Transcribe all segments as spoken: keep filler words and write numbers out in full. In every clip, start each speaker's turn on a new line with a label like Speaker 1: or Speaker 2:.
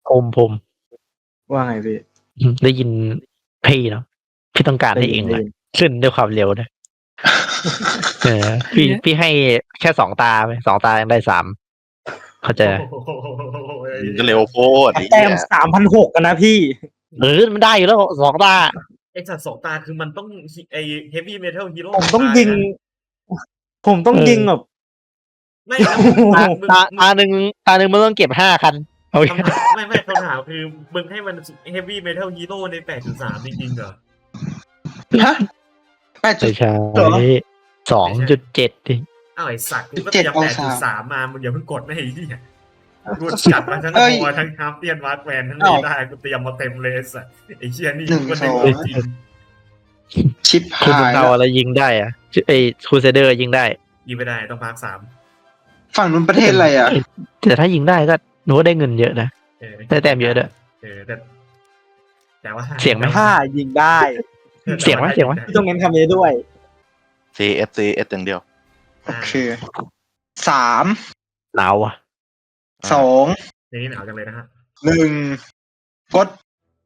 Speaker 1: ผมผม
Speaker 2: ว่าไงพี่
Speaker 1: ได้ยินพี่เนาะพี่ต้องการให้เองเลยขึ้นด้วยความเร็วนะเออพี่พี่ให้แค่สองตาไปสองตายังได้สามเข้าใจ
Speaker 3: ก็เร็วโคตร
Speaker 2: แต้มสามพันหกกันนะพี่
Speaker 1: เออมันได้อยู่แล้วสองตา
Speaker 4: ไอ้สัตว์สองตาคือมันต้องไอ้เฮฟวี่เมทัลฮีโร่
Speaker 2: ผมต้องยิง ผมต้องยิงแบบ
Speaker 4: ไม่
Speaker 1: ตาตาหนึ่งตาหนึ่งมันต้องเก็บห้าคันโอเค
Speaker 4: ไม่ไม่คำถามคือมึงให้มันเฮฟวี่เมทัลฮีโร่ในแปดจุดสามจริงๆเหรอ
Speaker 2: ฮะแปดจุด
Speaker 1: ใช่สองจุดเจ็ดดิ
Speaker 4: อ้าวไอ้สัตว์กูก็เตรียมแปดจุดสามมามึงอย่าเพิ่งกดไม่ให้ที่กูจัดมาทั้งตัวทั้งฮาร์ปเตียนวาร์ดแวนทั้งนี้ได้กูเตรียมมาเต็มเลยสัตว์ไอ้เชี่ยนี่กูก็ได้จริง
Speaker 2: ชิป
Speaker 1: คุณเอาอะไรยิงได้อะไอ้คูเซเดอร์ยิงได้
Speaker 4: ยิงไม่ได้ต้องพาร์คสาม
Speaker 2: ฝั่งนู้นประเทศอะไรอ่ะ
Speaker 1: แต่ถ้ายิงได้ก็หนูได้เงินเยอะนะได้แต้มเยอะด้วย
Speaker 4: เออแต่แต่ว่า
Speaker 1: เสียงไหม
Speaker 2: ถ้ายิงได้
Speaker 1: เสียงไหมเสียงไหม
Speaker 2: ต้องเน้นคำนี้ด้วย
Speaker 3: C F C S อย่างเดียว
Speaker 2: โอเคสาม
Speaker 1: หนาวอ่ะ
Speaker 2: สอง
Speaker 4: อย่างนี้หนาวจังเลยนะฮะ
Speaker 2: หนึ่งกด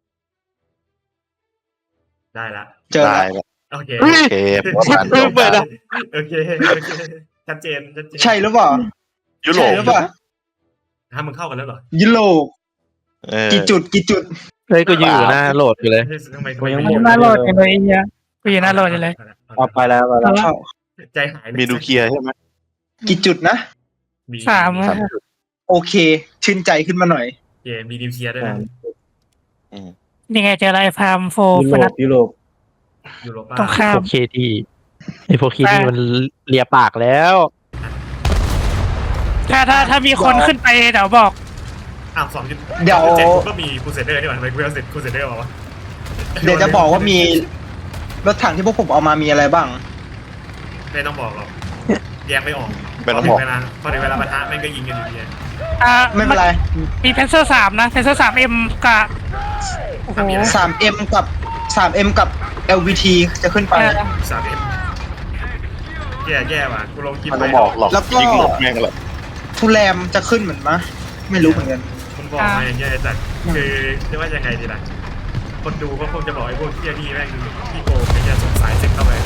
Speaker 4: ได้ละ
Speaker 2: เจอแล้ว
Speaker 4: โอเค
Speaker 3: โอเค
Speaker 1: เปิดอ่ะ
Speaker 4: โอเคชัดเจนชัดเจน
Speaker 2: ใช่หรือเปล่า
Speaker 3: ยุโรป
Speaker 2: หรือเปล่า
Speaker 4: ถ้ามึงเข้ากันแล้วเหรอ
Speaker 2: ยุโรปกี่จุดกี่จุด
Speaker 1: เฮ้ยก็อยู่หน้าโหลดอยู่เลย
Speaker 4: กู
Speaker 5: ยังหน้าโหลดอยู่เลยเนี่ยกูอยู่หน้าโหลดอยู่เลย
Speaker 2: เอาไปแล้วไปแล้ว
Speaker 4: ใจหาย
Speaker 3: มีดูเคลียร์ใช่ไหม
Speaker 2: กี่จุดนะ
Speaker 5: สาม
Speaker 2: โอเคชื่นใจขึ้นมาหน่อย
Speaker 4: เกมมีดิวเคลียร์ด้วยนะ
Speaker 5: ยังไงเจออะไรพามโฟ
Speaker 2: ยุโรปยุโรป
Speaker 4: ยุโรป
Speaker 5: ต้องข้าม
Speaker 1: พวกเคที่ไอพวกเคที่มันเลียปากแล้ว
Speaker 5: ถ้าถ้าถ้ามีคนขึ้นไปเดี๋ยวบอก
Speaker 4: อ้าวสองจุด
Speaker 2: เดี๋ยว
Speaker 4: ก็มีคูเซเดอร์ด้วยทำไมกูเอาเสร็จคูเซเดอร์มาวะ
Speaker 2: เดี๋ยวจะบอกว่ามีรถถังที่พวกผมเอามามีอะไรบ้าง
Speaker 4: ไม่ต้องบอกหรอกแยกไม่ออก
Speaker 3: ไม่ต้องบอก
Speaker 4: เวลาพอถึงเวลาปะทะแม่งก็ยิงกันอยู่ดี
Speaker 5: อ่า
Speaker 2: ไม่เป็นไร
Speaker 5: มีเพนเซอร์สามนะเพนเซอร์สามเอ็มกับ
Speaker 2: สามเอ็มกับสามเอ็มกับ แอล วี ที จะขึ้นไป
Speaker 4: สามเอ็มแย่แย่ว่ะกูลงคลิป
Speaker 3: ไปบอกหรอก
Speaker 2: แล้วก็
Speaker 3: แม่งเลย
Speaker 2: ทูแรมจะขึ้นเหมือนมะไม่รู้เหมือนกัน
Speaker 4: มันบอกมาอย่างเงี้ยแต่คือจะว่ายังไงดีล่ะคนดูก็คงจะบอกไอ้พวกเที่ยนี่แม่งพี่โกเป็นจะสงสัยเซ็ตเข้าไป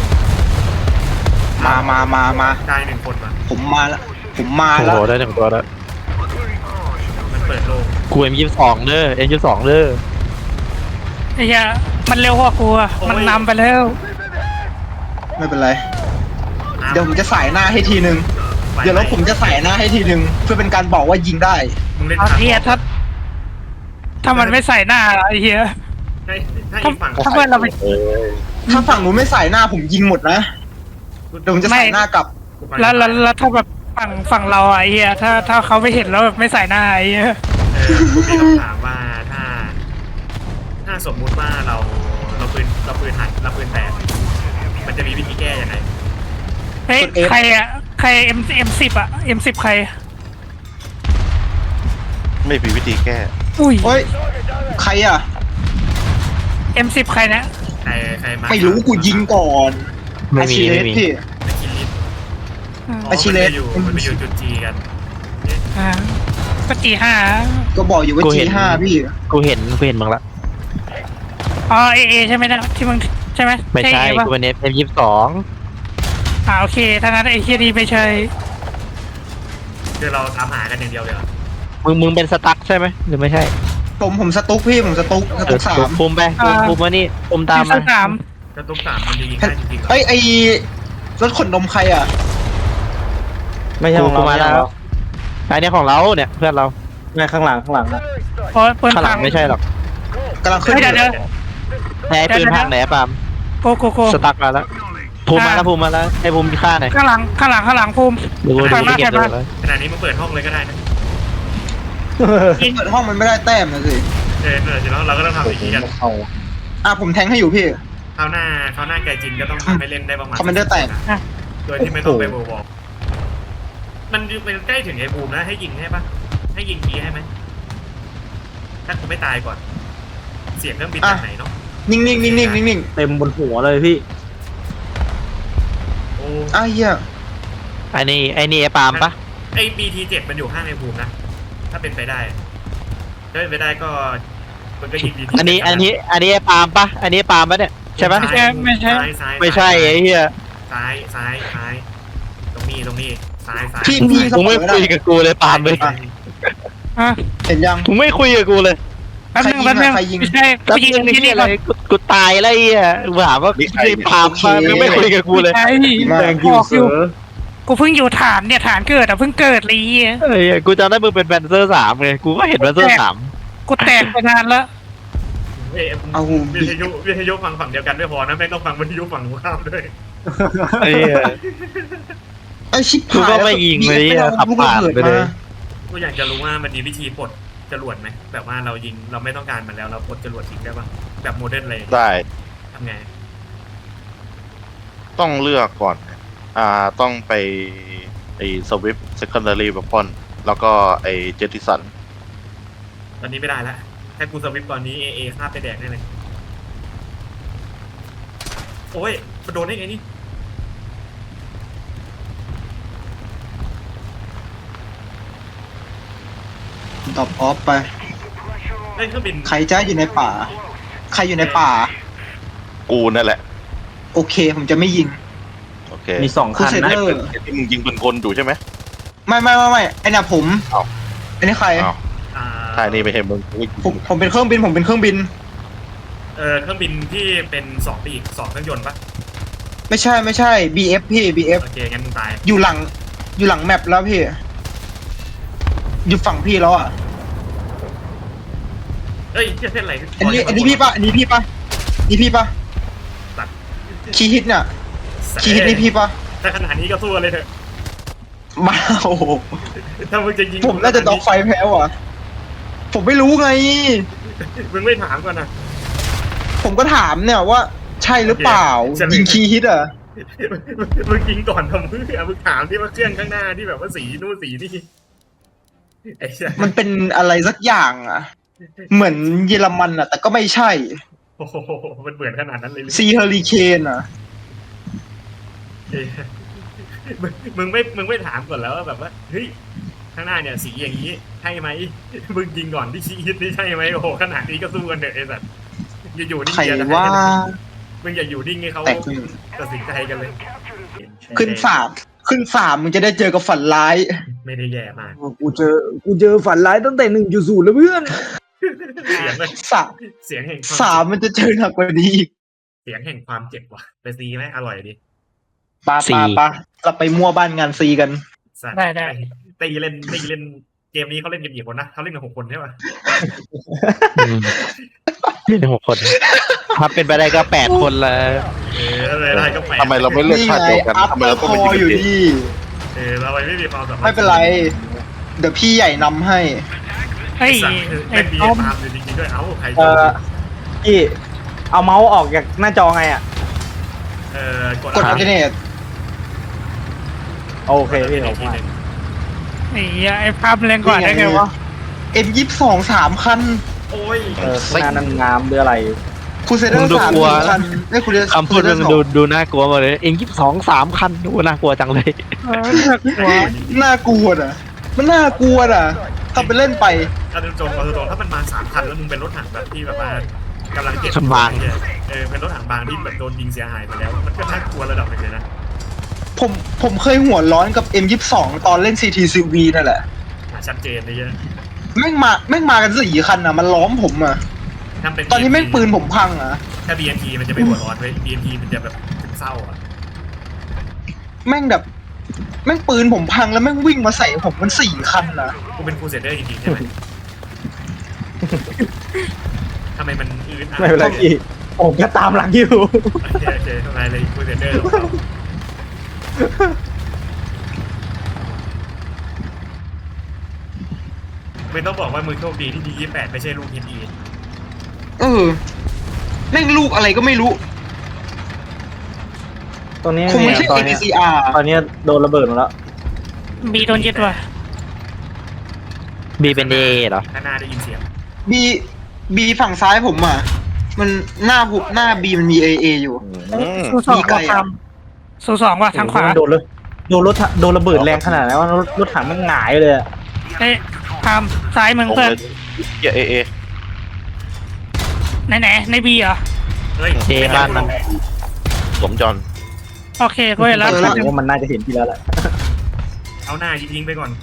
Speaker 2: มามามามา
Speaker 4: ได้หนึ่งคนมา
Speaker 2: ผมมาแล้วผมมาแล้ว
Speaker 1: โอ้ได้หนึ่งตัวแล้ว
Speaker 4: มันเปิดโลก
Speaker 1: กูเอ็มยี่สิบสองเด้อเอ็มยี่สิบสองเด้อ
Speaker 5: ไอ้เหี้ยมันเร็วกว่ากูอ่ะมันนำไปแล้ว
Speaker 2: ไม่เป็นไรเดี๋ยวผมจะใส่หน้าให้ทีนึงเดี๋ยวแล้วผมจะใส่หน้าให้ทีนึงเพื่อเป็นการบอกว่ายิงได้
Speaker 5: เอาเทียถ้าถ้ามันไม่ใส่หน้าไอ้เหี้ย
Speaker 4: ถ้าฝั่ง
Speaker 5: ถ้าเพื่อนเราไป
Speaker 2: ถ้าฝั่งหนูไม่ใส่หน้าผมยิงหมดนะเดี๋ยวผมจะใส่หน้ากลับ
Speaker 5: แล้วแล้วถ้าแบบฝั่งฝั่งเราไอ้เหี้ยถ้าถ้าเขาไม่เห็นแล้วแบบไม่ใส่หน้าไอ้เหี้ย
Speaker 4: มีคำถามว่าถ้าถ้าสมมุติว่าเราเราปืนเราปืนหักเราปืนแตกมันจะมีวิธีแก้ยังไง
Speaker 5: เฮ้ยใครอะใครเอ็มเอ็มสิบอะเอ็มสิบใคร
Speaker 3: ไม่มีวิธีแก้
Speaker 5: อุ้ย
Speaker 2: เฮ้ยใครอะ
Speaker 5: เอ็มสิบใครนะ
Speaker 4: ใครใครมา
Speaker 2: ไม่รู้กูยิงก่อน
Speaker 1: ไม่มีไม่มี
Speaker 2: พี่
Speaker 4: อาชิเลสมันไปอยู่จุดจีกัน
Speaker 5: อ่าก็จีห้า
Speaker 2: ก็บอกอยู่ว่าจีห้าพี่
Speaker 1: กูเห็นกูเห็นมึงละ
Speaker 5: อ๋อเอเอใช่ไหมนะที่มึงใช่ไหม
Speaker 1: ไม่ใช่กูเป็นเอฟเอ็มยี่สิบสอง
Speaker 5: อ่าโอเคถ้างั้นไอ้เคียดีไม่ใช่
Speaker 4: คือเราทำหากันอย่างเดียวเลย
Speaker 1: มึงมึงเป็นสตั๊กใช่ไหมหรือไม่ใช่
Speaker 2: ผมผมสตุ๊กพี่ผมสตุ๊กสตุ๊กสาม
Speaker 1: ภูมิไปภูมิมานี่ภูมิตามมา
Speaker 5: สาม
Speaker 4: สตุ๊กสามมันจะยิงได้จริงๆ
Speaker 2: เอ้ยไอ้รถขนนมใครอ่ะ
Speaker 1: ไม่ใช่ของเรามาแล้วไอ้นี่ของเราเนี่ยเพื่อนเรา
Speaker 2: ไม่ข้างหลังข้างหลังนะ
Speaker 5: โอ้ยปืน
Speaker 1: ข้างหลังไม่ใช่หรอก
Speaker 2: กำลังขึ้น
Speaker 5: เดี๋ยวเดี๋ยว
Speaker 1: ไหนปืนพังไหนปาม
Speaker 5: โกโกโก
Speaker 1: สตั๊กมาแล้วภูมิมาแล้วภูมิมาแล้วไอ้ภูมิฆ่าไหน
Speaker 5: ข้างหลังข้างหลังข้างหลังภูมิ
Speaker 1: ดูดูเก็บเลย
Speaker 4: ขนาดนี้มึงเปิดห้องเลยก็ได้นะ
Speaker 2: เปิดห้องมันไม่ได้แต้มนะสิ
Speaker 4: เออเออเราเราก็ต้องทำอย่างนี้กัน
Speaker 2: อ่ะผมแทงให้อยู่พี่
Speaker 4: คราวหน้าคราวหน้าไก่จินก็ต้องทำให้เล่นได้ประมาณ
Speaker 2: คอมมานเดอร์แตก
Speaker 4: โดยที่ไม่ต้องไปโบว์บอกมันมันใกล้ถึงไอ้บูมแล้วให้ยิงให้ปะให้ยิงทีให้ไหมถ้ากูไม่ตายก่อนเสียงเครื่องบินจากไหนเนาะ
Speaker 2: นิ่งนิ่งนิ่งนิ่งนิ่ง
Speaker 1: เต็มบนหัวเลยพี่
Speaker 4: โอ้
Speaker 2: อ้าวเหี้ย
Speaker 1: ไอ้นี่ไอ้นี่ไอ้ปามปะ
Speaker 4: ไอ้ บี ที เจ็ดมันอยู่ข้างไอ้บูมนะถ้าเป็นไปได้ได้ไม่ได้ก็มันก็ยิงดี
Speaker 1: อันนี้อันนี้อันนี้ปาล์มปะอันนี้ปาล์มปะเนี่ยใช่ปะ
Speaker 5: ไม่ใช่ไม่ใช่
Speaker 4: ซ้ายซ้าย
Speaker 1: ไม่ใช่ไอ้เหี้ย
Speaker 4: ซ้ายซ้ายซ้ายตรงนี้ตรงนี้ซ้ายซ้าย
Speaker 2: พี่พี่
Speaker 1: มึงไม่คุยกับกูเลยปาล์มเลย
Speaker 5: อ่ะ
Speaker 2: เห็นยัง
Speaker 1: มึงไม่คุยกับกูเลย
Speaker 5: แป๊บนึงแป๊บนึง
Speaker 2: ใครยิง
Speaker 5: ไม่ใช่
Speaker 1: แล้ว
Speaker 5: กูยิง
Speaker 1: มึง
Speaker 5: ที่
Speaker 1: นี่
Speaker 5: นี่
Speaker 1: อะไร
Speaker 5: ก่อน
Speaker 1: กูกูตายแล้วไอ้เหี้ยกูถามว่าไอ้ปาล์มมามึงไม่คุยกับกูเลย
Speaker 5: ใช่
Speaker 2: มา
Speaker 6: แรงกิวเสือ
Speaker 5: กูเพิ่งอยู่ฐานเนี่ยฐานเกิดอ่ะเพิ่งเกิดเลยไอ้เหี้ย
Speaker 1: เฮ้ยกูจำได้มึงเป็นแบนเซอร์สามไงกูก็เห็นแบนเซอร์สาม
Speaker 5: กูแตกไปนานแล้ว
Speaker 4: เอ้ย
Speaker 2: เอา
Speaker 4: วิทยุวิทยุฟังฝั่งเดียวกันไม่พอนะแม่งต้องฟังวิทยุฝั่งตรงข้ามด้วย
Speaker 1: ไอ้เหี้ย
Speaker 2: ไอชิบ
Speaker 1: กู
Speaker 2: หาย
Speaker 1: ก็ไม่ยิงเลย
Speaker 2: ไม่เอา
Speaker 1: ขับ
Speaker 2: ลูก
Speaker 1: ผ่าน
Speaker 2: ระเบิด
Speaker 1: ไปเลย
Speaker 2: มา
Speaker 4: กูอยากจะรู้ว่ามันมีวิธีปลดจรวดไหมแบบว่าเรายิงเราไม่ต้องการมันแล้วเราปลดจรวดทิ้งได้ปะแบบโมเดิร์นเลย
Speaker 3: ได้
Speaker 4: ทำไง
Speaker 3: ต้องเลือกก่อน อ่าต้องไปไอ้สวิฟเซคันดารีแบบพอนแล้วก็ไอ้เจติสัน
Speaker 4: ตอนนี้ไม่ได้ละถ้ากูสวิปตอนนี้เอเอฆ่าไปแดกแน่เลยโอ้ยมาโดนได้ไงนี่
Speaker 2: ตอบออฟไป
Speaker 4: เล่นเครื่องบิน
Speaker 2: ใครจะอยู่ในป่า ใครอยู่ในป่า
Speaker 3: กูนั่นแหละ
Speaker 2: โอเค ผมจะไม่ยิง
Speaker 3: โอเค
Speaker 6: มีสอง
Speaker 2: คู
Speaker 6: คัน
Speaker 2: เซ
Speaker 6: นะ
Speaker 2: เดอร์
Speaker 3: ที่มึงยิงปืนคนอยู่ใช่ไหม
Speaker 2: ไม่ไม่ไม่ไม่ไอ้น่ะผม
Speaker 3: เอ้า
Speaker 2: ไอ้นี่ใคร
Speaker 3: อ้าว
Speaker 4: อ่า
Speaker 3: ท่านี่ไม่ใช่มึง
Speaker 2: ผมผมเป็นเครื่องบิน ผมเป็นเครื่องบิน
Speaker 4: เออเครื่องบินที่เป็นสองปีกสองเครื่องยนต์ปะ
Speaker 2: ไม่ใช่ไม่ใช่ บี เอฟ พี่ บี เอฟ
Speaker 4: โอเคงั้นมึงตาย
Speaker 2: อยู่หลัง อยู่หลังแมปแล้วพี่ อยู่ฝั่งพี่แล้วอ่ะ
Speaker 4: เอ้ยเหี้ยเส้นอะไร
Speaker 2: อันนี้อันนี้พี่ปะอันนี้พี่ปะนี่พี่ปะ
Speaker 4: ตัด
Speaker 2: คีย์ฮิตเนี่ยคีย์ฮิตนี่พี่ปะ
Speaker 4: ถ้าขนาดนี้ก็สู้เลยเถอะ
Speaker 2: มาโอ้โห
Speaker 4: ถ้ามึงจะยิง
Speaker 2: ผมน่าจะด็อกไฟแพ้ว่ะ ผมไม่รู้ไง
Speaker 4: มึงไม่ถามก่อนนะ
Speaker 2: ผมก็ถามเนี่ยว่า ใช่หรือเปล่า ยิงคีย์ฮิตอ่ะ
Speaker 4: มึงยิงก่อนทำเพื่อมึงถามที่ว่าเครื่องข้างหน้าที่แบบว่าสีนู่นสีนี่ไอ้เหี้ย
Speaker 2: มันเป็นอะไรสักอย่างอ่ะ เหมือนเยอรมันอ่ะ แต่ก็ไม่ใช่
Speaker 4: โอ้โหมันเหมือนขนาดนั้นเลยหรือ
Speaker 2: ซีเฮอริเคนอ่ะ
Speaker 4: เอ้ยมึงมึงไม่มึงไม่ถามก่อนแล้วว่าแบบว่าเฮ้ยข้างหน้าเนี่ยสีอย่างนี้ใช่ไหมมึงยิงก่อนที่ชี้ฮิตนี่ใช่ไหมโอ้โหขนาดนี้ก็สู้กันเถอะไอ้สัตว์อย่าอยู่นิ่ง
Speaker 2: ใคร
Speaker 4: เดียวนะ
Speaker 2: ว่า
Speaker 4: มึงอย่าอยู่นิ่งให้เขา
Speaker 2: แต่ขึ้น
Speaker 4: ตัดสินใจกันเลย
Speaker 2: ขึ้นสามขึ้นสามมึงจะได้เจอกับฝันร้าย
Speaker 4: ไม่ได้แย่มาก
Speaker 6: กูเจอ กูเจอฝันร้ายตั้งแต่หนึ่งจุดศูนย์แล้วเพื่อน
Speaker 4: เสียงมัน
Speaker 2: สาม
Speaker 4: เสียงแห่งคว
Speaker 2: สามมันจะเจอหนักกว่านี้อีก
Speaker 4: เสียงแห่งความเจ็บว่ะไปซีไหมอร่อยดี
Speaker 2: ปา
Speaker 1: สี่
Speaker 2: ปาปาเราไปมั่วบ้านงานซีกัน
Speaker 4: สัตว์
Speaker 5: ได้ได้
Speaker 4: ตีเล่นตีเล่นเกมนี้เขาเล่นกันกี่คนนะเขาเล่นกันหกคนใช่ป่ะ
Speaker 1: อืมนี่หกคนถ้าเป็นไปได้ก็แปดคนละ
Speaker 4: เอออะไรได้ก็แปลก
Speaker 3: ทำไมเราไม่เลือก
Speaker 2: นี่
Speaker 3: ท่า
Speaker 2: ไง
Speaker 3: เดียวกัน
Speaker 2: อัพ
Speaker 3: ทำไม
Speaker 2: เปอ
Speaker 3: เรา
Speaker 2: ร์
Speaker 3: ต้อง
Speaker 2: ค
Speaker 3: ไป
Speaker 2: อ
Speaker 3: ยิง
Speaker 2: อยู่
Speaker 3: กัน
Speaker 2: ดี
Speaker 4: เออเราไม่มีความสามารถ
Speaker 2: ไม่เป็นไร เดี๋ยวพี่ใหญ่นำให้
Speaker 5: เฮ้ย
Speaker 4: สัตว์
Speaker 5: ไอ้
Speaker 4: เล่นบี
Speaker 5: ต้อม
Speaker 4: ตามอยู่จริงๆด้วยเอ้าใคร
Speaker 6: เอ่อพี่เอาเมาส์ออกจากหน้าจอไงอ่ะ
Speaker 4: เออกด
Speaker 2: กดอัลเทอร์เนท
Speaker 6: โอเคพี่
Speaker 4: ห
Speaker 6: ผ
Speaker 4: นึ่
Speaker 6: ม
Speaker 4: งที
Speaker 6: ว่า
Speaker 4: หนึ่ง
Speaker 5: ไอ้เหี้ยไอ้ภาพเล่นก่อนได้ไงวะ
Speaker 2: เอ็มยี่สองสามคัน
Speaker 4: โอ้ย
Speaker 6: เออข้างหน้านั้นงามหรืออะไร
Speaker 2: คูเซเดอร์สามคันไม่คูเซเดอร์
Speaker 1: คำพูดมันดูดูน่ากลัวหมดเลยเองยี่สิบสองสามคันดูน่ากลัวจังเลย
Speaker 5: เออน่ากลัว
Speaker 2: น่ากลัวอ่ะ มันน่ากลัวอ่ะทำไปเล่นไป
Speaker 4: ถ้าตรงๆเอาตรงๆถ้ามันมาสามคันแล้วมึงเป็นรถถังแบบที่แบบว่ากำลังเก็บ
Speaker 1: บาง
Speaker 4: เออเป็นรถถังบางที่แบบโดนยิงเสียหายไปแล้ว มันก็น่ากลัวระดับหนึ่งเลยนะ
Speaker 2: ผมผมเคยหัวร้อนกับ เอ็มยี่สอง ตอนเล่น ซี ที ซี วี นั่นแหละ
Speaker 4: ชัดเจนเลยเยอะ
Speaker 2: แม่งมาแม่งมากันสี่คันอ่ะ มันล้อมผมอ่ะ
Speaker 4: ถ้าเป็น
Speaker 2: ตอนนี้แม่งปืนผมพังอ่ะ
Speaker 4: ถ้า บี เอ็น ที มันจะไม่หัวร้อนเว้ย บี เอ็น ที มันจะแบบเศร้าอ่ะ
Speaker 2: แม่งแบบ แม่งปืนผมพังแล้วแม่งวิ่งมาใส่ผมมันสี่คันอ่ะ
Speaker 4: กูเป็นครูเซเดอร์จริงๆใช่ไหม ทำไมมันอืดอ่ะ
Speaker 6: ไม่เป็นไรพี่ผมก็ตามหลังอยู่
Speaker 4: โอเคโอเคทำไมเลยครูเซเดอร์ของเราไม่ต้องบอกว่ามือโชคดีที่ดียี่แปดไม่ใช่ลูกทีมอี
Speaker 2: เออ แม่งลูกอะไรก็ไม่รู้
Speaker 6: ตรงนี้
Speaker 2: คงไม่ใช่
Speaker 6: ตอน
Speaker 2: เอ พี
Speaker 6: เนี้ย
Speaker 2: ซี อาร์
Speaker 6: ตอนเนี้ยโดนระเบิดหมดแล้ว
Speaker 5: มีโดนยึดว่ะ
Speaker 1: บีเป็นเอเหรอ
Speaker 4: ข้างหน้าได้ยินเสียง
Speaker 2: บีบีฝั่งซ้ายผมอ่ะ มันหน้าผมหน้าบีมันมีเอเออยู่
Speaker 3: อืม
Speaker 5: สู้สอง
Speaker 2: มีไกล
Speaker 5: ว่ะ
Speaker 2: อะ
Speaker 5: ทำสู้สองว่ะทางขวา
Speaker 6: โดนเลยโดนรถถังโดนระเบิดแรงขนาดนั้นว่ารถรถถังมันหงายเลยอะ
Speaker 5: เอ้ยทำซ้ายมึง
Speaker 3: ผม
Speaker 5: เพื่อน
Speaker 3: เลยเหี้ยเอเอ
Speaker 5: ไหนไหนในบีเหรอ
Speaker 4: เฮ้ย
Speaker 1: เจบ้านมัน
Speaker 3: สมจอน
Speaker 5: โอเคก็เห็นแล้ว
Speaker 2: เจอ
Speaker 6: แส
Speaker 2: แล้ว
Speaker 6: ดงว่ามันน่าจะเห็นพี่แล้วแหละ
Speaker 4: เอาหน้ายิงๆไปก่อน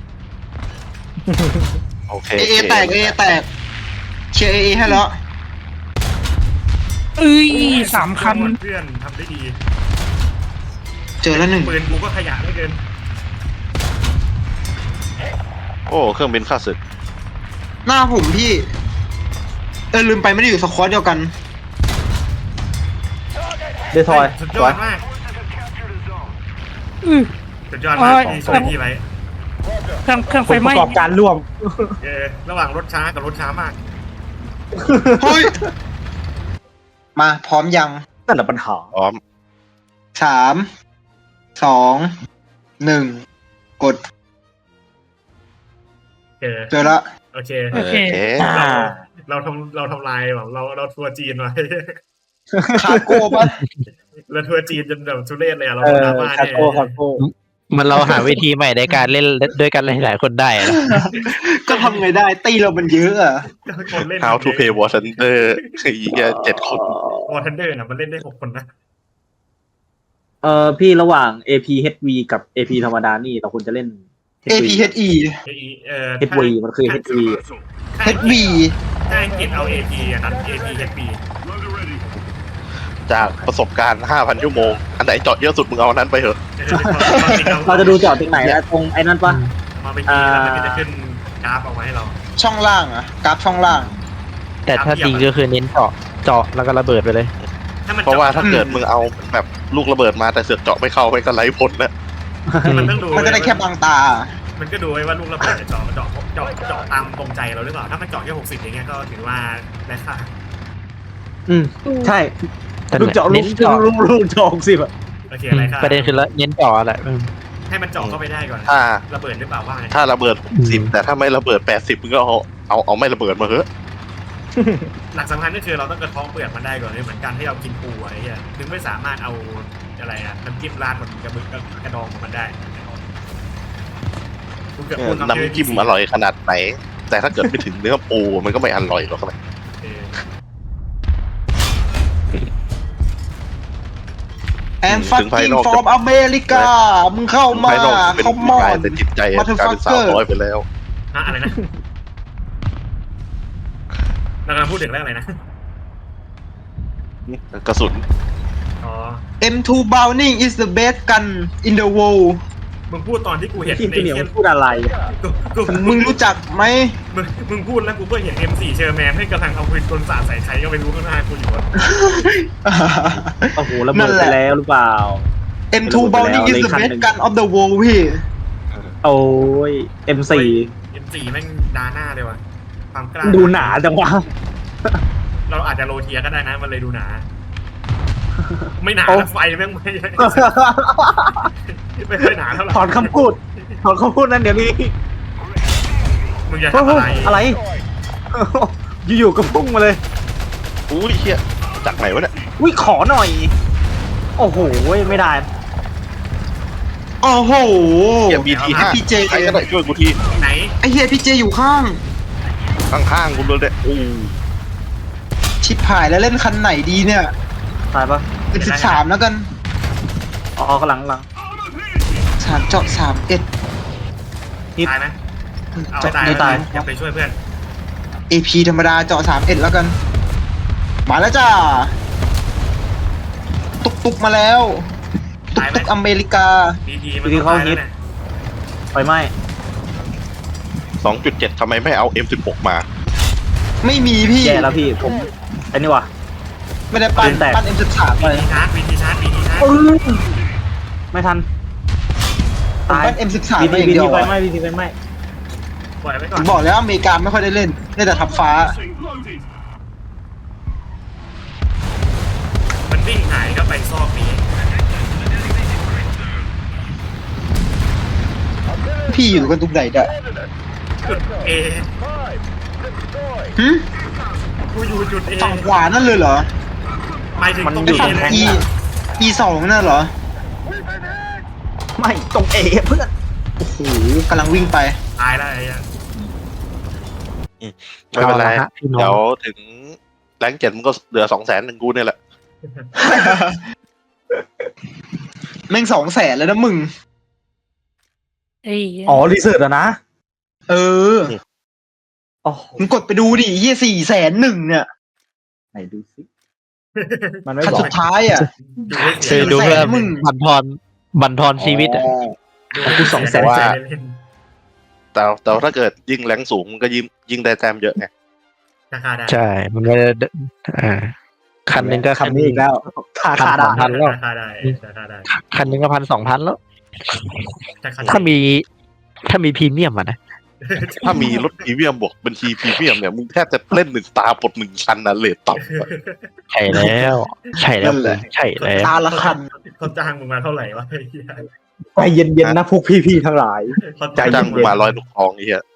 Speaker 3: โอเค
Speaker 2: เอเอแตกเอเอแตกเชียร์เอเอให้แล้ว
Speaker 5: เอ้ยสามคัน
Speaker 4: เพื่อนทำได้ดี
Speaker 2: เจอแล้วหนึ่ง
Speaker 4: ปืนกูก็ขยะเหลือเกิน
Speaker 3: โอ้เครื่องบินข้าศึก
Speaker 2: หน้าผมพี่เออลืมไปไม่ได้อยู่สควอตเดียวกัน
Speaker 6: เดทอย
Speaker 4: สุด
Speaker 6: ส
Speaker 4: ยอ
Speaker 6: วย
Speaker 4: ดมาก
Speaker 5: อื้อ
Speaker 4: สุดยอดมากที่ช่วยพี่ไว้
Speaker 5: เครื่องเครื่อง
Speaker 6: ผ
Speaker 5: ไฟ
Speaker 6: ล
Speaker 5: ไห
Speaker 6: ป
Speaker 5: ม้
Speaker 6: ระกอบการร่วม
Speaker 4: เออระหว่างรถช้ากับรถช้ามาก
Speaker 2: เฮ้ย มาพร้อมยัง
Speaker 6: นั่นแหละปัญหา
Speaker 3: พร้อม
Speaker 2: สามสองหนึ่งกด
Speaker 4: เออ
Speaker 2: เจอละ
Speaker 4: โอเค
Speaker 5: โอเค
Speaker 6: อ่า
Speaker 4: เราทำเราทำลายแบบเราเราทัวร์จีนไว้
Speaker 2: คาโก้ปะ
Speaker 4: เราทัวร์จีนจนแบบทุเรศเลยอะเรา
Speaker 6: เอ
Speaker 4: โดน
Speaker 6: อ
Speaker 4: ดราม่า
Speaker 6: คา
Speaker 4: เนี่ย
Speaker 6: โก้คาโก้
Speaker 1: มันเราหาวิธีใหม่ในการเล่นด้วยกันหลายๆคนได้อะนะ
Speaker 2: ก็ทำไงได้ตีเรามันเยอะอะ
Speaker 4: คนเล่น
Speaker 3: How to play War Thunder ไอ้เหี้ยเจ็ดคน
Speaker 4: วอร์ทันเดอร์น่ะมันเล่นได้หกคนนะ
Speaker 6: เออพี่ระหว่าง เอ พี เอช วี กับ เอ พี ธรรมดานี่เราควรจะเล่น
Speaker 2: เอ พี เอช อี
Speaker 4: เอเออ
Speaker 6: เอช วี มันคือ เอช วี
Speaker 2: เอช วี
Speaker 4: ถ้าอังกฤษเอา เอ พี อะครับ เอ พี เอช บี
Speaker 3: จากประสบการณ์ ห้าพัน ชั่วโมง อันไหนเจาะเยอะสุดมึงเอาอันนั้นไปเถอะ
Speaker 6: เราจะดูเจาะตรงไหนนะตรงไอ้นั่นปะ
Speaker 4: มาไปทีแล้วมันก็จะขึ้นกราฟเอาไว้ให้เรา
Speaker 2: ช่องล่างอะกราฟช่องล่าง
Speaker 1: แต่ถ้าจริงก็คือเน้นเจาะเจาะแล้วก็ระเบิดไปเลย
Speaker 4: ถ้ามัน
Speaker 3: เพราะว่าถ้า
Speaker 2: อืม
Speaker 3: เกิดมึงเอาแบบลูกระเบิดมาแต่เสือกเจาะไม่เข้าไปก็ไร้ผลนะ
Speaker 4: มันต้องดู
Speaker 2: มันก็ได้แค่บางตา
Speaker 4: มันก็ดูไว้ว่าลูกระเบิดจะเจาะเจาะเจาะเจาะตามตรงใจเราหรือเปล่าถ้ามันเจาะแค่หกสิบอย่างเงี้ยก็ถือว่าได้ค่า
Speaker 6: อืมใช่
Speaker 1: แต่
Speaker 6: ลูกเจาะลู
Speaker 1: เน้
Speaker 6: ก
Speaker 1: นเจาะ
Speaker 6: ลูกลูกเจาะหกสิบอะ
Speaker 4: โอเค
Speaker 1: อื
Speaker 4: อะไร
Speaker 1: ม
Speaker 4: ค่า
Speaker 1: ประเด็นคือละเน้นเจาะแหละอืม
Speaker 4: ให้มันเจาะเข้าไปได้ก่อน
Speaker 3: ถ้า
Speaker 4: ระเบิดหรือเปล่าว่าไง
Speaker 3: ถ้าระเบิด
Speaker 1: อืม
Speaker 3: สิบแต่ถ้าไม่ระเบิดแปดสิบมึงก็เอาเอาเอาไม่ระเบิดมาเถอะ
Speaker 4: หลักสำคัญก็คือเราต้องกระท้องเปลือกมันได้ก่อนเลยเหมือนกันที่เรากินปูอะไรเงี้ยถึงไม่สามารถเอาอะไรอะน้ำจิ้มราดมันกระเบือกกระดองของมันได้กูเกือบ
Speaker 3: เอ
Speaker 4: พู
Speaker 3: อ
Speaker 4: ดคำ
Speaker 3: น้ำจิ้มอร่อยขนาดไหน แต่ถ้าเกิดไม่ถึงเนื้อปูมันก็ไม่อร่อยหรอกนะ
Speaker 4: เออ
Speaker 2: and fucking from America มึงเข้ามา
Speaker 3: ภายนอกเป็น
Speaker 2: เข้า
Speaker 3: ผู้
Speaker 2: มา
Speaker 3: ชายแต่จิตใจกลายเป็นสาวน้อยไปแล้ว
Speaker 4: ฮะอะไรนะเรากำลังพูดถึงเรื่องอะไรนะ
Speaker 3: กระสุน
Speaker 4: อ๋อ
Speaker 2: เอ็ม ทู Browning is the best gun in the world
Speaker 4: มึงพูดตอนที่กูเห็น
Speaker 6: ทีม
Speaker 4: ใน
Speaker 6: ตัวเหนียว
Speaker 4: เ
Speaker 6: มันพูดอะไร
Speaker 4: กูกู
Speaker 2: มึงรู้จักไหม
Speaker 4: มึงมึงพูดแล้วกูก็เห็น เอ็ม โฟร์ เชอร์แมนให้กำลังเอาปืนกลสาดใส่ใครก็ไม่รู้ข้างหน้ากูอยู่อะ
Speaker 6: โอ้โหระเบิดไปแล้วหรือเปล่า
Speaker 2: เอ็ม ทู Browning is the best gun of the world พี่
Speaker 6: โอ้ย เอ็ม โฟร์
Speaker 4: เอ็ม โฟร์ แม่งดาหน้าเลยว่ะความกล้า
Speaker 6: ดูหนาจังวะ
Speaker 4: เราอาจจะโรเทียก็ได้นะมันเลยดูหนา ไม่หนา
Speaker 6: โอ้
Speaker 4: นะไฟแม่งไม่ไม่ค่อยหนาเท่าไหร่
Speaker 6: ถอนคำพูด ถอนคำพูดนั้นเดี๋ยวนี้
Speaker 4: มึงอย่าทำอะไร
Speaker 6: อะไร อยู่ๆก็พุ่งมาเลย
Speaker 3: อุ้ยเฮียจากไหนวะเนี่ย
Speaker 6: อุ้ยขอหน่อย โอ้โห ไม่ได้
Speaker 2: โอ้โห
Speaker 3: เฮียบีทีห้า
Speaker 2: พี่เจ
Speaker 3: ใครก็ได้ช่วยกูที
Speaker 4: ไหน
Speaker 2: ไอเฮียพี่เจอยู่ข้าง
Speaker 3: ข้างๆกูเลยเนี่ยอู้
Speaker 2: ชิบหายแล้วเล่นคันไหนดีเนี่ย
Speaker 6: ตายปะ
Speaker 2: เป็นสิบสามแล้วกัน
Speaker 6: อ๋อกำลังกำลัง
Speaker 2: สามเจาะสามเอ็ด
Speaker 6: ฮิต
Speaker 4: ตายไหมเอา
Speaker 2: จะ
Speaker 4: ตาย
Speaker 6: ไม่ตาย
Speaker 4: อย่าไปช่วยเพื่อน
Speaker 2: เอ พี ธรรมดาเจาะสามเอ็ดแล้วกัน มาแล้วจ้า ตุกตุกมาแล้ว ตุกตุกอเมริกา
Speaker 4: ดีทีมันต้องตายแล้วเนี่ย
Speaker 6: ไฟไหม้
Speaker 3: สองจุดเจ็ดทำไมไม่เอา เอ็ม สิบหก มา
Speaker 2: ไม่มีพี่
Speaker 6: แย่แล้วพี่ ผมไอ้นี่ว่ะ
Speaker 2: ไม่ได้ปั้น
Speaker 6: ปืนแตก
Speaker 2: ปั้น เอ็ม สิบสาม
Speaker 4: วี
Speaker 2: เลย
Speaker 4: ทีชาร์จวีทีชาร์จวีทีชาร์จ
Speaker 6: ปึ้งไม่ทัน
Speaker 2: ผม
Speaker 6: ตาย
Speaker 2: ปั้น เอ็ม สิบสาม
Speaker 6: บี
Speaker 2: ไป
Speaker 6: ที
Speaker 2: อย่าง
Speaker 6: บี
Speaker 2: เดีย
Speaker 6: ที
Speaker 2: ว
Speaker 6: ไฟ
Speaker 2: อะ
Speaker 6: ไหม้บีทีไฟไหม้
Speaker 4: ปล่อยไว้ก่
Speaker 2: ผ
Speaker 4: อน
Speaker 2: มบอกแล้วอเมริกาไม่ค่อยได้เล่นเล่นแต่ทับฟ้า
Speaker 4: มันวิ่งหายก็ไปซอกนี้
Speaker 2: พี่อยู่กันตรงไหนเด้อ
Speaker 4: จุดเอ
Speaker 2: หึ
Speaker 4: กูอยู่จุดเอ
Speaker 2: ฝั่งขวานั่นเลยเหรอ
Speaker 4: หมายถึงตรง
Speaker 2: ไอ
Speaker 4: เอ
Speaker 2: ฝั่ง
Speaker 4: เลย
Speaker 2: E E สองนั่นเหรอ
Speaker 6: ไม่ตรงเอเพื่อน
Speaker 2: โอ้โหกำลังวิ่งไป
Speaker 4: ตายแล้วไอ้เหี้ย
Speaker 3: ไม่เป็นไร
Speaker 1: อาละฮะพี่น้อง
Speaker 3: เดี๋ยวถึงแรงเจ็ดมันก็เหลือสองแสนหนึ่งกูเนี่ยแหละ
Speaker 2: แม่งสองแสนแล้วนะมึง
Speaker 5: ไอ้
Speaker 6: อ๋อรีเสิร์ชอะนะ
Speaker 2: เออ
Speaker 6: อ๋อ
Speaker 2: มึงกดไปดูดิเฮียสี่แสนหนึ่งเนี่ย
Speaker 6: ไหนดูสิมันไม่
Speaker 2: คัน
Speaker 6: บอก
Speaker 2: สุดท้ายอ่ะ
Speaker 4: ดูให้
Speaker 1: เค
Speaker 4: เสี
Speaker 1: ย
Speaker 4: ย
Speaker 1: ดูเพื่อ
Speaker 2: มึง
Speaker 1: บันทอนบันทอนชีวิตอะ
Speaker 4: ดูให้
Speaker 6: กูสองแสน
Speaker 4: เย
Speaker 3: ว่า
Speaker 4: เล่น
Speaker 3: แต่แต่ถ้าเกิดยิ่งแรงสูงมันก็ยิ่งยิ่งได้แต้มเยอะไง
Speaker 4: ราคาได้
Speaker 1: ใช่ มันก็จะอ่าคันหนึ่งก็
Speaker 6: คำนี้อีกแล้วค่า
Speaker 1: พัน
Speaker 6: ค่า
Speaker 1: ส
Speaker 6: ด่า
Speaker 1: องพันแล้ว
Speaker 4: ราคาได้ราคาได้
Speaker 1: คันหนึ่งก็พันสองพันแล้ว
Speaker 4: ราคา
Speaker 1: ถ้ามีถ้ามีพรีเมียมอะนะ
Speaker 3: ถ้ามีรถพรีเมียมบวกบัญชีพรีเมียมเนี่ยมึงแทบจะเล่นหนึ่งตาปลดหนึ่งคันนะเลทต่ำอะ
Speaker 1: ใช่แล้ว ใช่แล้ว
Speaker 2: นั่นแหละ
Speaker 1: ใช่แล้ว
Speaker 2: ตาละคัน
Speaker 4: เขาจ้างมึงมาเท่าไหร่วะไอ้เหี้ย
Speaker 6: ใจเย็นๆนะพวกพี่ๆทั้งหลาย
Speaker 4: เขา
Speaker 6: ใจเย็น
Speaker 3: จ้างกูมาร้อยลูกทองไอ้เหี้ย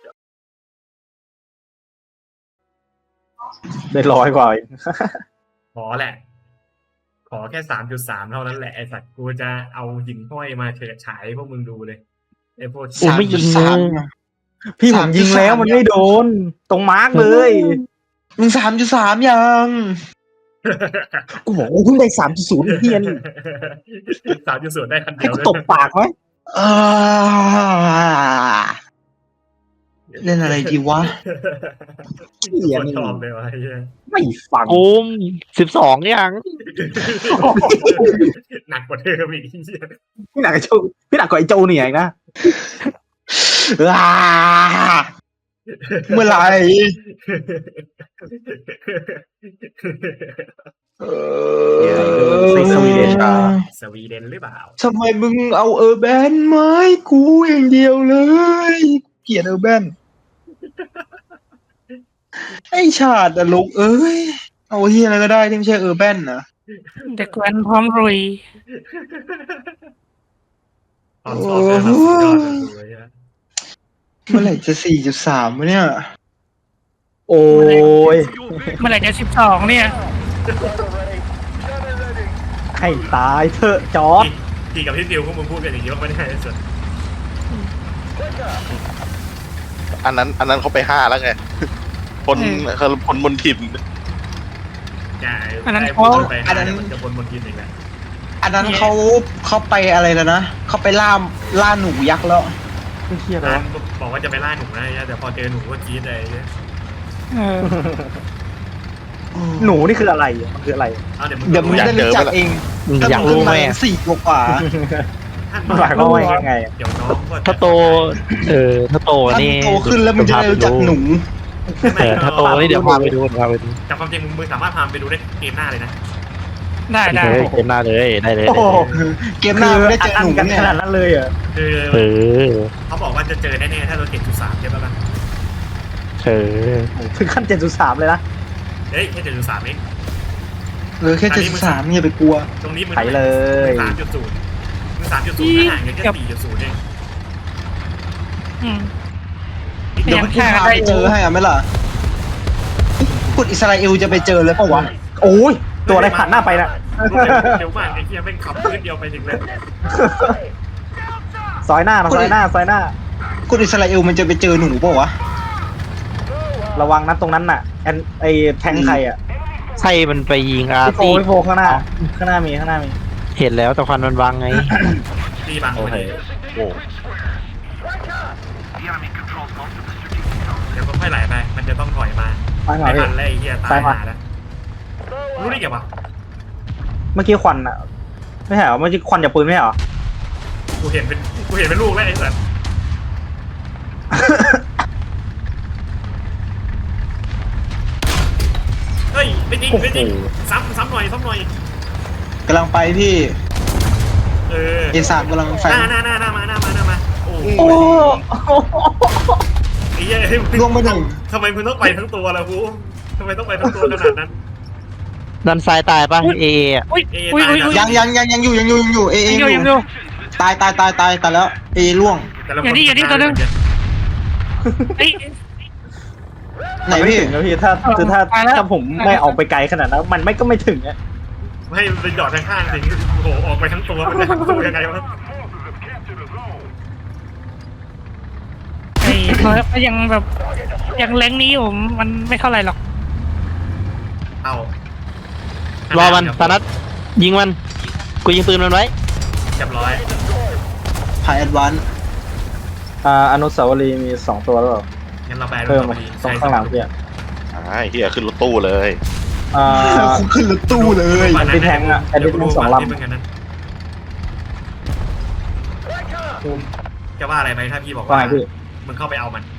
Speaker 6: ได้ร้อยกว่าอีก
Speaker 4: ขอแหละ ขอแค่สามจุดสามเท่านั้นแหละไอ้สัตว์กูจะเอาหินห้อยมาเฉิดฉายให้พวกมึงดูเลยไอ้พวก
Speaker 1: โอ้ไม่ยิง
Speaker 2: สาม
Speaker 1: เลย
Speaker 6: พี่ผมยิงแล้วมันไม่โดน ตรงมาร์กเลย
Speaker 2: มึงสามจุดสามยัง
Speaker 6: กูบอกว่าเพิ่งได้สามจุดศูนย์เฮียน
Speaker 4: สามจุดศูนย์ได้คัน
Speaker 6: ให้
Speaker 4: เดียว
Speaker 6: กู
Speaker 4: เลย
Speaker 6: ตบปากไหม
Speaker 2: อ่าเล่นอะไรดีวะ
Speaker 6: เฮีย
Speaker 4: คน
Speaker 6: นี่
Speaker 4: ชอบเลยวะไอ้เหี้ย
Speaker 6: ไม่ฟัง
Speaker 1: โอ้มสิบสองยัง
Speaker 4: หนักกว่าเธออีกไอ้เหี้ย
Speaker 6: พี่หนักกับโจพี่หนักกว่าไอ้โจเนี่ยอีกนะ
Speaker 2: อ่าเมื่อไหร่เออ
Speaker 6: สวีเดนอ่ะ
Speaker 4: สวีเดนหรือเปล่า
Speaker 2: ทำไมมึงเอาเออร์แบนไม้กูอย่างเดียวเลยเกลียดเออร์แบนไอชาติอะลูกเอ้ย เอาที่อะไรก็ได้ที่ไม่ใช่เออร์แบนนะ
Speaker 5: เด็กแว้นพร้อมรุย
Speaker 4: ตอนสอบเนี่ยเราสุดยอดเลยอะ
Speaker 2: เมื่อไหร่จะสี่จุดสามวะเนี่ย
Speaker 6: โอ้ย
Speaker 5: เมื่อไหร่จะสิบสองเนี่ย
Speaker 6: ให้ตายเถอะจอร์ด
Speaker 4: พี่กับพี่ฟิวพวกมึงพูดกันอย่างนี้ว่าไม่ได้สุด
Speaker 3: อันนั้นอันนั้นเขาไปห้าแล้วไงคนเขาคนบนถิ่น
Speaker 4: อย่า
Speaker 5: อันนั้น
Speaker 4: ไอ้
Speaker 5: เขา
Speaker 4: พูดไปหาเดี๋ยวมันจะบนบนกินอีกแล้ว
Speaker 2: อันนั้นเขาเขาไปอะไรแล้วนะเขาไปล่าล่าหนูยักษ์แล้ว
Speaker 6: ไม่เฮีย
Speaker 4: ร้า
Speaker 6: แล้ว
Speaker 4: นบอกว่าจะไปล่าหนูนะแต่พอเจอหนูก็กรี๊ดเลย
Speaker 5: เออ
Speaker 6: หนูนี่คืออะไรอ่ะมันคืออะไร
Speaker 4: เอาเดี๋ยวมึง
Speaker 2: เดี๋ยวมึงได้รู้จักเอง
Speaker 1: อยากรู้ไหม
Speaker 2: ถ้งสี่กว่า
Speaker 4: ท่าน
Speaker 6: มันหมายความว่ายังไงอะ
Speaker 4: เดี๋ยวน้องก็
Speaker 1: ถ้าโต เออ ถ้าโต
Speaker 2: ถ้า
Speaker 1: นี่
Speaker 2: มึงโตขึ้นแล้วมึงจะได้รู้จักหนู
Speaker 1: เออถ้าโตนี่เดี๋ยวพาไปดูพาไปดู
Speaker 4: แต่ความจริงมึงมึงสามารถพาไปดูได้เกมหน้าเลยนะ
Speaker 5: ได้ได้
Speaker 1: เฮ้ยเกมหน้าเลยได้เลย
Speaker 6: โอ้โห
Speaker 2: เกมหน้าไม่ได้เจอ
Speaker 6: อั
Speaker 2: หนู
Speaker 6: กัน
Speaker 2: เนี่ย
Speaker 6: ขนาดนั้นเลยเหรอ่ะ
Speaker 4: คือ
Speaker 1: เออ
Speaker 4: เขาบอกว่าจะเจอแน่ๆถ้าเราเจ็ดจุดสามใช่ปะล่ะ
Speaker 1: เออ
Speaker 6: ถึงขั้นเจ็ดจุดสามเลยนะ
Speaker 4: เฮ้ยแค่เจ็ดจุดสามเอง
Speaker 2: เออแค่เจ็ดสิบสามอย่าไปกลัว
Speaker 4: ตรงนี้มึง
Speaker 6: ไปเลย
Speaker 4: สามจุดศูนย์มึงสามจุดศูนย์ห่างกันแค่สี่จุดศูนย์เอง
Speaker 5: อืม
Speaker 2: เดี๋ยวพี่พาไปเจอให้อะไหมล่ะกดอิสราเอลจะไปเจอเลยเปล่าวะ
Speaker 6: โอ้ยตัวอะไรผ่านหน้าไปน่ะ
Speaker 4: เดี๋ยวมากไอ้เหี้ยแม่งขับพื้นเดียวไปถึงเลย
Speaker 6: ซอยหน้านะซอยหน้าซอยหน้าก
Speaker 2: ดอิสราเอลมันจะไปเจอหนูเปล่าวะ
Speaker 6: ระวังนะตรงนั้นน่ะแอนไอแทงใครอ่ะ
Speaker 1: ใช่มันไปยิงอา
Speaker 6: พี่โฟ
Speaker 1: ร์ตี้
Speaker 6: พี่โฟข้างหน้า ข้างหน้ามีข้างหน้ามี
Speaker 1: เห็นแล้วแต่ควันมันบังไง
Speaker 4: ตีบัง
Speaker 1: โอ
Speaker 4: พอ
Speaker 1: เค
Speaker 4: ดี
Speaker 3: โอ้
Speaker 4: เดี๋ยวก็ค่อยไหลไป มันจะต้องถอยมา
Speaker 6: ไปหน่อ
Speaker 4: ไม่
Speaker 6: ย
Speaker 4: ทันแล้วไอ้เหี้ยตา
Speaker 6: ซ้าย
Speaker 4: ย
Speaker 6: ขวา
Speaker 4: หาแล้วรู้ได้ไงวะ
Speaker 6: เมื่อกี้ควันอ่ะ ไม่ใช่เหรอเมื่อกี้ควันจากปืนไม่ใช่เหรอ
Speaker 4: กูเห็นเป็นกูเห็นเป็นลูกแล้วไอ้สัสเฮ้ยไม่จริงไม่จริงซ้ำซ้ำหน่อยซ้ำหน่อย
Speaker 2: กำลังไปพี่
Speaker 4: เออ
Speaker 2: เอสามกำลังแฟ
Speaker 4: ห
Speaker 2: น
Speaker 4: น้าหน้าหน้าหน้ามาหน้ามาหน้ามาโอ้
Speaker 6: โอ้
Speaker 4: ไอ้เหี้ย
Speaker 2: ล่วงไปหนึ่ง
Speaker 4: ทำไมมึงต้องไปทั้งตัวล่ะกูทำไมต้องไปทั้งตัวขนาดนั้น
Speaker 1: ด้านซ้ายตายป่ะเอเอะ
Speaker 5: อุ้ย
Speaker 4: เอ
Speaker 5: อุ้ย
Speaker 4: ตาย
Speaker 5: อุ้ย
Speaker 4: นะ
Speaker 5: อุ้ย
Speaker 2: ยังยังยังยังอยู่ยังอยู่ยังอยู่เอเอ
Speaker 5: ยัง
Speaker 2: อ
Speaker 5: อยู่
Speaker 2: ยู่
Speaker 5: ยังอยู่
Speaker 2: ตายตายตายตายตายแล้วเอล่วง
Speaker 4: แต่ละค
Speaker 5: อย่างนี้อย่างนี้ตัวหนึ่ง ไอ้ย
Speaker 2: ไหน
Speaker 6: ไม่
Speaker 2: พี่
Speaker 6: ถึงนะพี่ถ้าคือถ้า
Speaker 5: ไปแล้ว
Speaker 6: ถ้าผมไม่ออกไปไกลขนาดนั้นมันไม่ก็ไม่ถึงอ่ะ
Speaker 4: ไม่มันเป็นหยอดข้างๆสิโอ้โหออกไปทั้งตัวมันจะทั้งตัวยังไงวะ
Speaker 5: ไอ้โทก็ยังแบบยังแรงนี้ผมมันไม่เท่าไหร่หรอก
Speaker 4: เอา
Speaker 1: รอมันตานัดยิงมันกูยิงปืนมันไว้
Speaker 4: เรียบร้อย
Speaker 2: พายแอดวานซ์
Speaker 6: อ่าอนุสาวรีย์มีสองตัวแล้วเหรอ
Speaker 4: งั้นเราไป
Speaker 6: เพิ่ม
Speaker 4: พ
Speaker 6: มา
Speaker 4: อดี
Speaker 6: ตรงข้างหลังพี่อะ
Speaker 3: อ่าเฮียขึ้นรถตู้เลย
Speaker 6: อ่า
Speaker 2: คุณขึ้นรถตู้เลย
Speaker 6: แอนดี้แทงอะแอนดี้แทงสองลำ
Speaker 4: เดี๋ยวกูดูฝั่งนี้เหมือนกันนะกูจะว่าอะไรไหมถ้าพี่บอก
Speaker 6: ว่า
Speaker 4: ว่า
Speaker 6: ไงพี่
Speaker 4: มึงเข้าไปเอามัน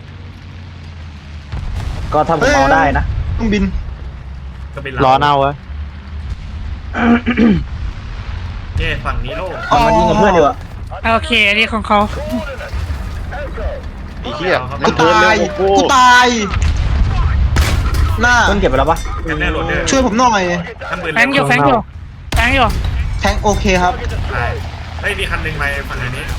Speaker 6: ก็ถ้าผมเอาได้นะ
Speaker 2: ต้องบิน
Speaker 4: ก็เป็น
Speaker 1: รอเน่าวะ
Speaker 4: เนี่ยฝั่งนี้โล่ง
Speaker 6: เอามายิงกับเพื่อนดีกว่า
Speaker 5: โอเคอันนี้ของเขา
Speaker 3: ไอ้เฮีย
Speaker 2: กู
Speaker 3: มันเดิน
Speaker 2: ตา
Speaker 3: เร็
Speaker 2: ยว
Speaker 3: กว่า
Speaker 2: กูตาย หน้า
Speaker 6: เพื่อนเก็บไปแล้วปะ
Speaker 4: กันแน่โหลดเดอร์
Speaker 2: ช่วยผมหน่อย
Speaker 4: ทำปืน
Speaker 5: แฟงอยู่แฟงอยู่แฟงอยู่
Speaker 2: แทงโอเคครับ
Speaker 4: ใช่เฮ้ยมีคันหนึ่งไปฝั่งอันนี้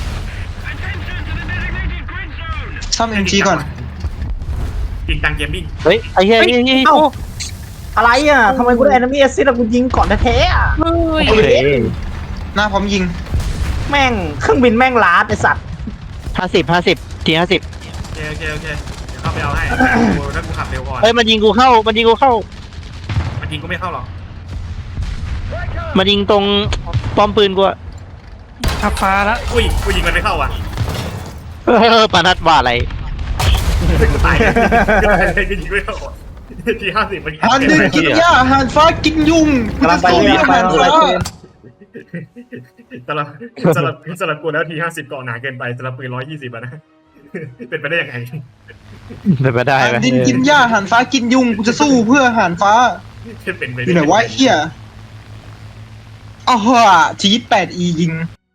Speaker 2: ซ่อมเอ็มจีก่อน
Speaker 4: จริงจังเกมมิ่ง
Speaker 1: เฮ้ยไอ้เหี้ยไอ้เหี้ย
Speaker 6: เอ้าอะไรอ่ะทำไมกูได้แอนมี่แอซิดแล้วกูยิงก่อนแท้ๆอ่ะ
Speaker 5: เฮ้ย
Speaker 1: โอเค
Speaker 2: หน้าพร้อมยิง
Speaker 6: แม่งเครื่องบินแม่งล้าไอสัตว์
Speaker 1: ห้าสิบห้าสิบทีห้าสิบ
Speaker 4: โอเคโอเคโอเคเดี๋ยวเข้าไปเอาให้กูถ้ากูขับเร็วก่อน
Speaker 1: เฮ้ยมันยิงกูเข้ามันยิงกูเข้า
Speaker 4: มันยิงกูไม่เข้าหรอก
Speaker 1: มันยิงตรงป้อมปืนกูอะ
Speaker 5: ทับฟ้าละ
Speaker 4: อุ้ยกูยิงมันไม่เข้าอ่ะ
Speaker 1: เออปานัดว่าอะไร
Speaker 4: กูตายเลยกูตายเลยกูยิงไม่เข้าอ่ะทีห้าสิบมันยิง
Speaker 2: หันดินกินหญ้าหันฟ้ากินยุง
Speaker 6: กำลังไป
Speaker 2: กู
Speaker 6: เลย
Speaker 2: จะ
Speaker 6: ไป
Speaker 2: สู้
Speaker 6: ไป
Speaker 2: หัน
Speaker 6: ไป
Speaker 2: ฟ้า
Speaker 4: สำหรับสำหรับสำหรับกูแล้วทีห้าสิบเกาะหนาเกินไปสำหรับปืนร้อยยี่สิบอะนะ เป็นไปได้ยังไง
Speaker 1: เป็นไปได้ไหม
Speaker 2: หันดินกินหญ้าหันฟ้ากินยุงกูจะสู้เพื่อหันฟ้า
Speaker 4: เป็นไป
Speaker 2: อ
Speaker 4: ได้
Speaker 2: ยู่ไหนวะไอ้เฮียอ้าวทีแปดอียิง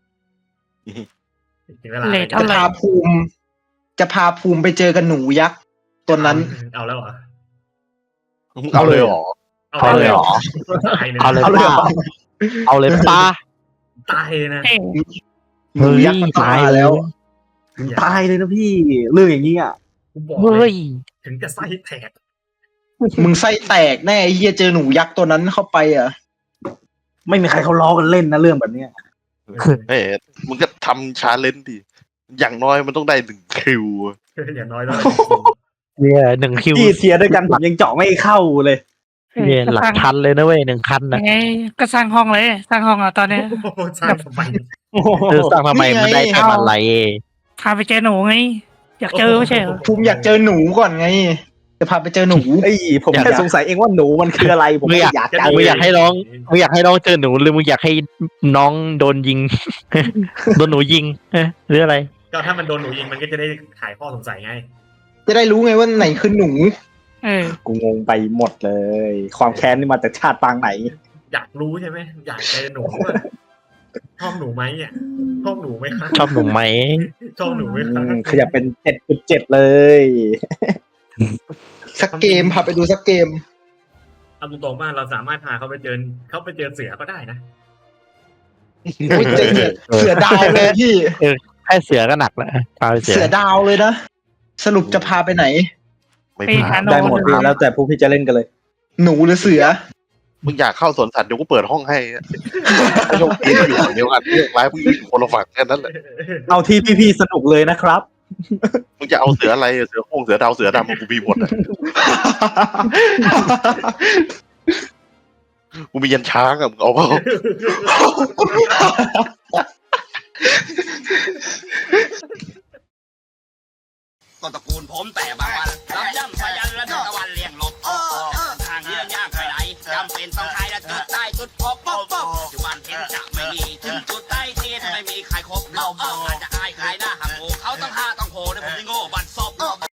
Speaker 4: ถึงเวลา
Speaker 5: เลท
Speaker 2: จะ
Speaker 5: เท่าไหร่
Speaker 2: พาภูมิ จะพาภูมิไปเจอกันหนูยักษ์ตัวนั้น
Speaker 4: เอาแล้วเหรอ
Speaker 3: เอาเลยเหรอ
Speaker 1: เอาเลยเหรอ
Speaker 4: ตายเลย
Speaker 1: เอาเลย
Speaker 6: เอาเลย
Speaker 1: ป้า
Speaker 6: เหรอ
Speaker 1: เอาเลยป้า
Speaker 4: ตายนะ
Speaker 5: เอ้ย
Speaker 2: หนูยักษ์มันตายแล้ว
Speaker 6: ตายเลยนะพี่เรื่องอย่างนี้อ่ะ
Speaker 4: กูบอก
Speaker 1: เฮ้
Speaker 4: เลย
Speaker 1: ย
Speaker 4: ถึงจะไส้แตก
Speaker 2: มึงไส้แตกแน่ไอ้เฮียเจอหนูยักษ์ตัวนั้นเข้าไปอ่ะ
Speaker 6: ไม่มีใครเขาล้อกันเล่นนะเรื่องแบบเนี้ย
Speaker 3: เฮ้ยมึงก็ทำชาเลนจ์ดิอย่างน้อยมันต้องได้หนึ่งคิว
Speaker 4: อย่างน้อยต้อง
Speaker 1: เนี่ยหนึ่งคิว
Speaker 6: พี่เทียร์ด้วยกันผมยังเจาะไม่เข้าเลย
Speaker 1: เนี่ยหลักพันเลยนะเว้ยหนึ่งคันนะ
Speaker 5: ยังไงก็สร้างห้องเลย สร้างห้องอ่ะตอนเนี้ย
Speaker 4: สร้างทำไม
Speaker 1: เธอสร้างทำไมมันได้ทำอะไร
Speaker 5: พาไปเจอหนูไงอยากเจอไม่ใช่เหรอ
Speaker 2: ภูมิอยากเจอหนูก่อนไง จะพาไปเจอหนู
Speaker 6: ไอ้ยผมแค่สงสัยเองว่าหนูมันคืออะไรผมไม่อยาก
Speaker 1: มึ
Speaker 6: จั
Speaker 1: ง
Speaker 6: ง
Speaker 1: อยากให้น้องมึงอยากให้น้องเจอหนูหรือมึงอยากให้น้องโดนยิง โดนหนูยิงเอ๊ะหรืออะไร
Speaker 4: ก็ถ้ามันโดนหนูยิงมันก็จะได้ขายข้อสงสัยไง
Speaker 2: จะได้รู้ไงว่าไหนคือหนู
Speaker 5: เออ
Speaker 6: กูงงไปหมดเลย ความแค้นนี่มาจากชาติปางไหน
Speaker 4: อยากรู้ใช่ไหมอยากเจอหนูว่าชอบหนูไหมอ่ะชอบหนูไหมคะ
Speaker 1: ชอบหนูไหม
Speaker 4: ชอบหนูไหม
Speaker 6: อื
Speaker 4: คะ
Speaker 6: มขยับเป็นเจ็ดจุดเจ็ดเลย
Speaker 2: สักเกมพาไปดูสักเกม
Speaker 4: เอาตรงๆว่าเราสามารถพาเขาไปเจอเขาไปเจอเสือก็ได้นะ
Speaker 2: โอ้ยเจอเสือเสือดาวเลยพี่
Speaker 1: แค่เสือก็หนักแล้วพาไปเสื
Speaker 2: เสื
Speaker 1: อ
Speaker 2: อดาวเลยนะ สรุปจะพาไปไหน
Speaker 3: ไม่
Speaker 5: ไป
Speaker 3: พ
Speaker 5: หา
Speaker 3: ลาด
Speaker 5: หนู
Speaker 6: ได้หมดพี่แล้วแต่ผู้พี่จะเล่นกันเลย
Speaker 2: หนูหรือเสือ
Speaker 3: มึงอยากเข้าสวนสัตว์เดี๋ยวกูเปิดห้องให้โยกเองอยู่ฝั่งเดียวกันเรื่องร้ายมึงอยู่คนละฝั่งแค่นั้นแหละ
Speaker 6: เอาที่พี่พี่ๆสนุกเลยนะครับ
Speaker 3: มึงจะเอาเสืออะไรเสือโคร่งเสือดาวเสือดำกูมีหมดอะกูมียันช้างอะมึงเอาเปล่า
Speaker 7: ต้นตระกูลผมแต่บางวันรับ